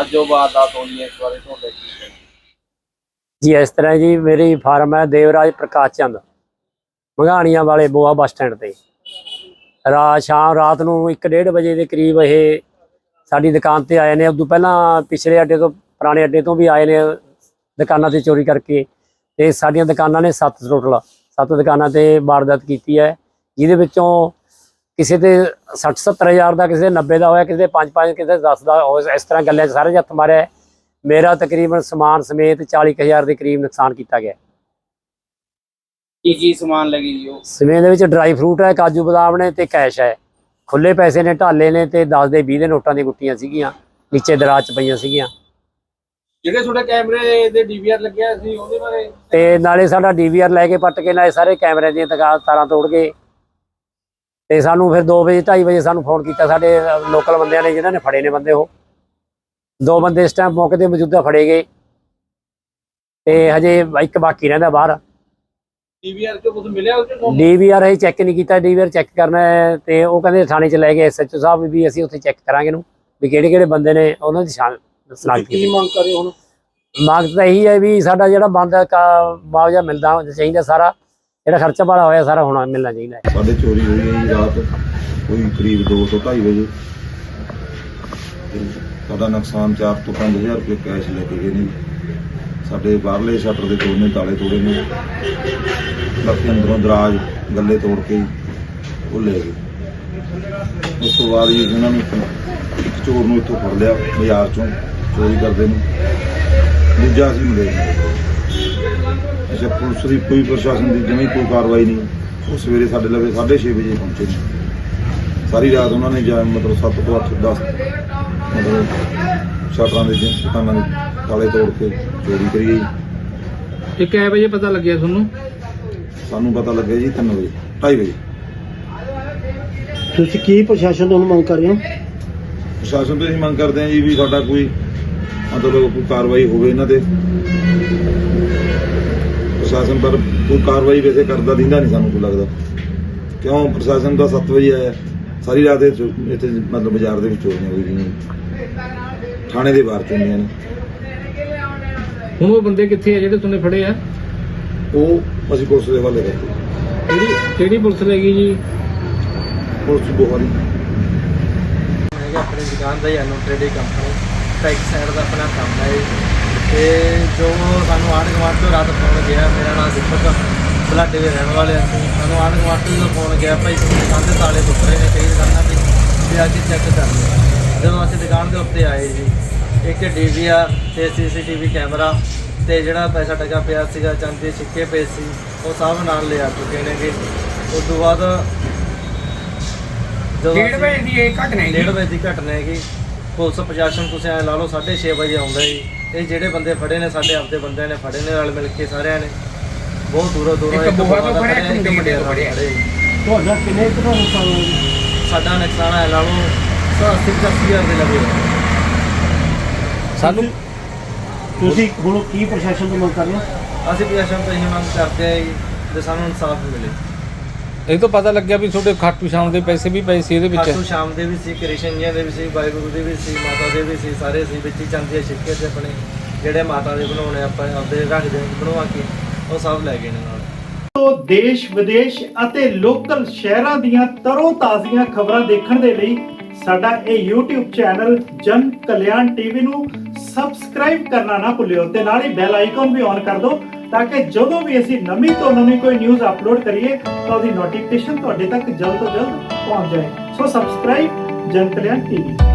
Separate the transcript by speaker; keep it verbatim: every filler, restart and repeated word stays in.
Speaker 1: ਅੱਜ जो वारदात होनी है इस बारे ਤੁਹਾਡੇ ਕੀ ਕਹਿਣਾ?
Speaker 2: जी इस तरह जी मेरी फार्म है देवराज प्रकाश चंद मंगाणियां वाले बोआ बस स्टैंड ते रात शाम रात ਨੂੰ ਇੱਕ ਡੇਢ ਵਜੇ ਦੇ ਕਰੀਬ ਇਹ ਸਾਡੀ ਦੁਕਾਨ ਤੇ ਆਏ ਨੇ। ਉਦੋਂ ਪਹਿਲਾਂ ਪਿਛਲੇ ਅੱਡੇ ਤੋਂ ਪੁਰਾਣੇ ਅੱਡੇ ਤੋਂ ਵੀ ਆਏ ਨੇ ਦੁਕਾਨਾਂ ਤੇ ਚੋਰੀ ਕਰਕੇ ਤੇ ਸਾਡੀਆਂ ਦੁਕਾਨਾਂ ਨੇ ਸੱਤ ਟੋਟਲ ਸੱਤ ਦੁਕਾਨਾਂ ਤੇ ਵਾਰਦਾਤ ਕੀਤੀ ਹੈ, ਜਿਹਦੇ ਵਿੱਚੋਂ ਕਿਸੇ ਤੇ ਸੱਠ ਸੱਤਰ ਹਜ਼ਾਰ ਦਾ, ਕਿਸੇ ਦੇ ਨੱਬੇ ਦਾ ਹੋਇਆ, ਕਿਸੇ ਦੇ ਪੰਜ ਪੰਜ, ਕਿਸੇ ਦੇ ਦਸ ਦਾ ਹੋਇਆ। ਇਸ ਤਰ੍ਹਾਂ ਗੱਲਾਂ 'ਚ ਸਾਰੇ ਹੱਥ ਮਾਰਿਆ। ਮੇਰਾ ਤਕਰੀਬਨ ਸਮਾਨ ਸਮੇਤ ਚਾਲੀ ਕੁ ਹਜ਼ਾਰ ਦੇ ਕਰੀਬ ਨੁਕਸਾਨ ਕੀਤਾ ਗਿਆ।
Speaker 1: ਕੀ ਕੀ ਸਮਾਨ ਲੱਗੀ ਜੀ? ਉਹ
Speaker 2: ਸਮੇਤ ਦੇ ਵਿੱਚ ਡਰਾਈ ਫਰੂਟ ਹੈ, ਕਾਜੂ ਬਦਾਮ ਨੇ ਤੇ ਕੈਸ਼ ਹੈ। ਖੁੱਲੇ ਪੈਸੇ ਨੇ, ਢਾਲੇ ਨੇ ਤੇ ਦਸ ਦੇ ਵੀਹ ਦੇ ਨੋਟਾਂ ਦੀਆਂ ਗੁੱਟੀਆਂ ਸੀਗੀਆਂ, ਨੀਚੇ ਦਰਾਜ 'ਚ ਪਈਆਂ ਸੀਗੀਆਂ।
Speaker 1: ਜਿਹੜੇ ਤੁਹਾਡੇ ਕੈਮਰੇ ਦੇ ਡੀਵੀਆਰ ਲੱਗਿਆ ਸੀ ਉਹਦੇ ਬਾਰੇ?
Speaker 2: ਤੇ ਨਾਲੇ ਸਾਡਾ ਡੀਵੀਆਰ ਲੈ ਕੇ ਪੱਟ ਕੇ ਨਾਲੇ ਸਾਰੇ ਕੈਮਰੇ ਦੀਆਂ ਤਾਰਾਂ ਤੋੜ ਗਏ। ਤੇ ਸਾਨੂੰ ਫਿਰ ਦੋ ਵਜੇ ਢਾਈ ਵਜੇ ਸਾਨੂੰ ਫੋਨ ਕੀਤਾ ਸਾਡੇ ਲੋਕਲ ਬੰਦਿਆਂ ਨੇ, ਜਿਨ੍ਹਾਂ ਨੇ ਫੜੇ ਨੇ ਬੰਦੇ। ਉਹ ਦੋ ਬੰਦੇ ਇਸ ਟਾਈਮ ਮੌਕੇ ਤੇ ਮੌਜੂਦਾ ਫੜੇ ਗਏ ਤੇ ਹਜੇ ਇੱਕ ਬਾਕੀ ਰਹਿੰਦਾ ਬਾਹਰ।
Speaker 1: ਡੀਵੀਆਰ ਚੋਂ ਕੁਝ ਮਿਲਿਆ? ਉਹ ਚੋਂ
Speaker 2: ਡੀਵੀਆਰ ਅਸੀਂ ਚੈੱਕ ਨਹੀਂ ਕੀਤਾ, ਡੀਵੀਆਰ ਚੈੱਕ ਕਰਨਾ ਹੈ ਤੇ ਉਹ ਕਹਿੰਦੇ ਥਾਣੇ 'ਚ ਲੈ ਗਏ ਐਸਐਚਓ ਸਾਹਿਬ ਵੀ ਅਸੀਂ ਉੱਥੇ ਚੈੱਕ ਕਰਾਂਗੇ ਨੂੰ ਵੀ ਕਿਹੜੇ ਕਿਹੜੇ ਬੰਦੇ ਨੇ, ਉਹਨਾਂ ਦੀ ਸ਼ਨਾਖਤ
Speaker 1: ਕੀ ਮੰਗ ਕਰੇ ਹੁਣ?
Speaker 2: ਮੰਗ ਤਾਂ ਇਹੀ ਹੈ ਵੀ ਸਾਡਾ ਜਿਹੜਾ ਬੰਦਾ ਮੁਆਵਜ਼ਾ ਮਿਲਦਾ ਚਾਹੀਦਾ, ਸਾਰਾ ਜਿਹੜਾ ਖਰਚਾ ਵਾਲਾ ਹੋਇਆ ਸਾਰਾ ਹੋਣਾ ਮਿਲਣਾ ਚਾਹੀਦਾ ਹੈ।
Speaker 3: ਸਾਡੇ ਚੋਰੀ ਹੋਈ ਹੈ ਜੀ ਰਾਤ ਕੋਈ ਕਰੀਬ ਦੋ ਤੋਂ ਢਾਈ ਵਜੇ। ਸਾਡਾ ਨੁਕਸਾਨ ਚਾਰ ਤੋਂ ਪੰਜ ਹਜ਼ਾਰ ਰੁਪਏ ਕੈਸ਼ ਲੈ ਕੇ ਗਏ ਨੇ। ਸਾਡੇ ਬਾਹਰਲੇ ਸ਼ਟਰ ਦੇ ਦੋਨੇ ਤਾਲੇ ਤੋੜੇ ਨੇ, ਬਾਕੀ ਅੰਦਰੋਂ ਦਰਾਜ ਗੱਲੇ ਤੋੜ ਕੇ ਉਹ ਲੈ ਗਏ। ਉਸ ਤੋਂ ਬਾਅਦ ਜੀ ਉਹਨਾਂ ਨੂੰ ਇੱਕ ਚੋਰ ਨੂੰ ਇੱਥੋਂ ਫੜ ਲਿਆ ਬਾਜ਼ਾਰ ਚੋਂ ਚੋਰੀ ਕਰਦੇ ਨੂੰ, ਦੂਜਾ ਅਸੀਂ ਮਿਲੇ। ਅੱਛਾ, ਪੁਲਿਸ ਦੀ ਕੋਈ ਪ੍ਰਸ਼ਾਸਨ ਦੀ ਜਮੀ ਕੋਈ ਕਾਰਵਾਈ ਨਹੀਂ। ਉਹ ਸਵੇਰੇ ਸਾਡੇ ਲਵੇ ਸਾਢੇ ਛੇ ਵਜੇ ਪਹੁੰਚੇ ਨੇ। ਸਾਰੀ ਰਾਤ ਉਹਨਾਂ ਨੇ ਜਾਂ ਮਤਲਬ ਸੱਤ ਤੋਂ ਅੱਠ ਦਸ ਮਤਲਬ ਸ਼ਟਰਾਂ ਦੇ ਦੁਕਾਨਾਂ ਦੇ ਤਾਲੇ ਤੋੜ ਕੇ ਚੋਰੀ ਕਰੀ ਗਈ।
Speaker 1: ਇਹ ਕਿੰਨੇ ਵਜੇ ਪਤਾ ਲੱਗਿਆ ਤੁਹਾਨੂੰ?
Speaker 3: ਸਾਨੂੰ ਪਤਾ ਲੱਗਿਆ ਜੀ ਤਿੰਨ ਵਜੇ ਢਾਈ ਵਜੇ।
Speaker 4: ਤੁਸੀਂ ਕੀ ਪ੍ਰਸ਼ਾਸਨ ਤੋਂ ਮੰਗ ਕਰ ਰਹੇ ਹੋ?
Speaker 3: ਪ੍ਰਸ਼ਾਸਨ ਤੋਂ ਅਸੀਂ ਮੰਗ ਕਰਦੇ ਹਾਂ ਜੀ ਵੀ ਸਾਡਾ ਕੋਈ ਮਤਲਬ ਕੋਈ ਕਾਰਵਾਈ ਹੋਵੇ ਇਹਨਾਂ ਤੇ। ਪ੍ਰਸ਼ਾਸਨ ਪਰ ਕੋਈ ਕਾਰਵਾਈ ਵੈਸੇ ਕਰਦਾ ਦਿੰਦਾ ਨਹੀਂ ਸਾਨੂੰ ਕੋਈ ਲੱਗਦਾ, ਕਿਉਂ ਪ੍ਰਸ਼ਾਸਨ ਦਾ ਸੱਤ ਵਜੇ ਆਇਆ। ਸਾਰੀ ਰਾਤ ਇੱਥੇ ਮਤਲਬ ਬਾਜ਼ਾਰ ਦੇ ਵਿੱਚ ਚੋਰੀਆਂ ਹੋਈ ਗਈਆਂ, ਥਾਣੇ ਦੇ ਬਾਹਰ ਚੋਰੀਆਂ ਨੇ।
Speaker 1: ਹੁਣ ਉਹ ਬੰਦੇ ਕਿੱਥੇ ਆ ਜਿਹੜੇ ਤੁਨੇ ਫੜੇ ਆ?
Speaker 3: ਉਹ ਅਸੀਂ ਪੁਲਿਸ ਦੇ ਹਵਾਲੇ ਕਰਦੇ।
Speaker 1: ਕਿਹੜੀ ਕਿਹੜੀ ਪੁਲਿਸ ਲੈ ਗਈ ਜੀ?
Speaker 3: ਪੁਲਿਸ ਬੋਹਾਰੀ
Speaker 5: अपनी दुकान का ही Anu trading company back side का अपना काम है। तो जो सू आंढ गुआढ़ तो रात फोन गया, मेरा नाम दीपक बलाडे के रहने वाले असं सू आंढ गुआढ़ तो जो फोन गया भाई तुम दुकान के ताले टुट रहे हैं कई दुकाना भी भी अज चैक कर लिया। जो असं दुकान के उत्ते आए जी, एक डी वी आर तो C C T V camera तो जोड़ा पैसा टका पिया चांदी के सिक्के पे सी वो सब नाल ले आ चुके हैं। उस तो बाद डेढ़ बजे की घटना डेढ़ बजे की घटना है। पुलिस प्रशासन तुम ऐ ला लो साढ़े छे बजे आता जी। ये जोड़े बंदे फड़े ने साढ़े आपके बंदे ने फड़े ने रल मिल के सारे ने बहुत दूरों दूरों साडा नुकसान है ला लो अस्सी पचासी हज़ार के लगे।
Speaker 4: ਸਾਨੂੰ ਤੁਸੀਂ ਹੁਣ ਕੀ ਪ੍ਰਸ਼ਾਸਨ ਤੋਂ ਮੰਗ ਕਰ ਰਹੇ ਹੋ?
Speaker 5: असं प्रशासन तो यही मंग करते हैं जो सानू इंसाफ मिले।
Speaker 1: ਇਹ ਤੋਂ ਪਤਾ ਲੱਗਿਆ ਵੀ ਤੁਹਾਡੇ ਖਾਟੂ ਸ਼ਾਮ ਦੇ ਪੈਸੇ ਵੀ ਪਏ ਸੀ ਇਹਦੇ ਵਿੱਚ?
Speaker 5: ਖਾਟੂ ਸ਼ਾਮ ਦੇ ਵੀ ਸੀ, ਕ੍ਰਿਸ਼ਨ ਜੀ ਦੇ ਵੀ ਸੀ, ਵਾਹਿਗੁਰੂ ਦੇ ਵੀ ਸੀ, ਮਾਤਾ ਦੇ ਵੀ ਸੀ, ਸਾਰੇ ਸੀ ਵਿੱਚ ਹੀ ਚਾਂਦੀ ਦੇ ਸਿੱਕੇ ਤੇ ਆਪਣੇ ਜਿਹੜੇ ਮਾਤਾ ਦੇ ਬਣਾਉਣੇ ਆਪਾਂ ਆਪਦੇ ਰੱਖਦੇ ਬਣਵਾ ਕੇ ਉਹ ਸਭ ਲੈ ਗਏ ਨੇ ਨਾਲ।
Speaker 6: ਤੋਂ ਦੇਸ਼ ਵਿਦੇਸ਼ ਅਤੇ ਲੋਕਲ ਸ਼ਹਿਰਾਂ ਦੀਆਂ ਤਰੋ ਤਾਜ਼ੀਆਂ ਖਬਰਾਂ ਦੇਖਣ ਦੇ ਲਈ ਸਾਡਾ ਇਹ YouTube ਚੈਨਲ ਜਨ ਕਲਿਆਣ ਟੀਵੀ ਨੂੰ ਸਬਸਕ੍ਰਾਈਬ ਕਰਨਾ ਨਾ ਭੁੱਲਿਓ ਤੇ ਨਾਲ ਹੀ ਬੈਲ ਆਈਕਨ ਵੀ ਔਨ ਕਰ ਦਿਓ ਤਾਂ ਕਿ ਜਦੋਂ ਵੀ ਅਸੀਂ ਨਵੀਂ ਤੋਂ ਨਵੀਂ ਕੋਈ ਨਿਊਜ਼ ਅਪਲੋਡ ਕਰੀਏ ਤਾਂ ਉਹਦੀ ਨੋਟੀਫਿਕੇਸ਼ਨ ਤੁਹਾਡੇ ਤੱਕ ਜਲਦ ਤੋਂ ਜਲਦ ਪਹੁੰਚ ਜਾਏ। ਸੋ ਸਬਸਕ੍ਰਾਈਬ ਜਨ ਕਲਿਆਣ ਟੀਵੀ।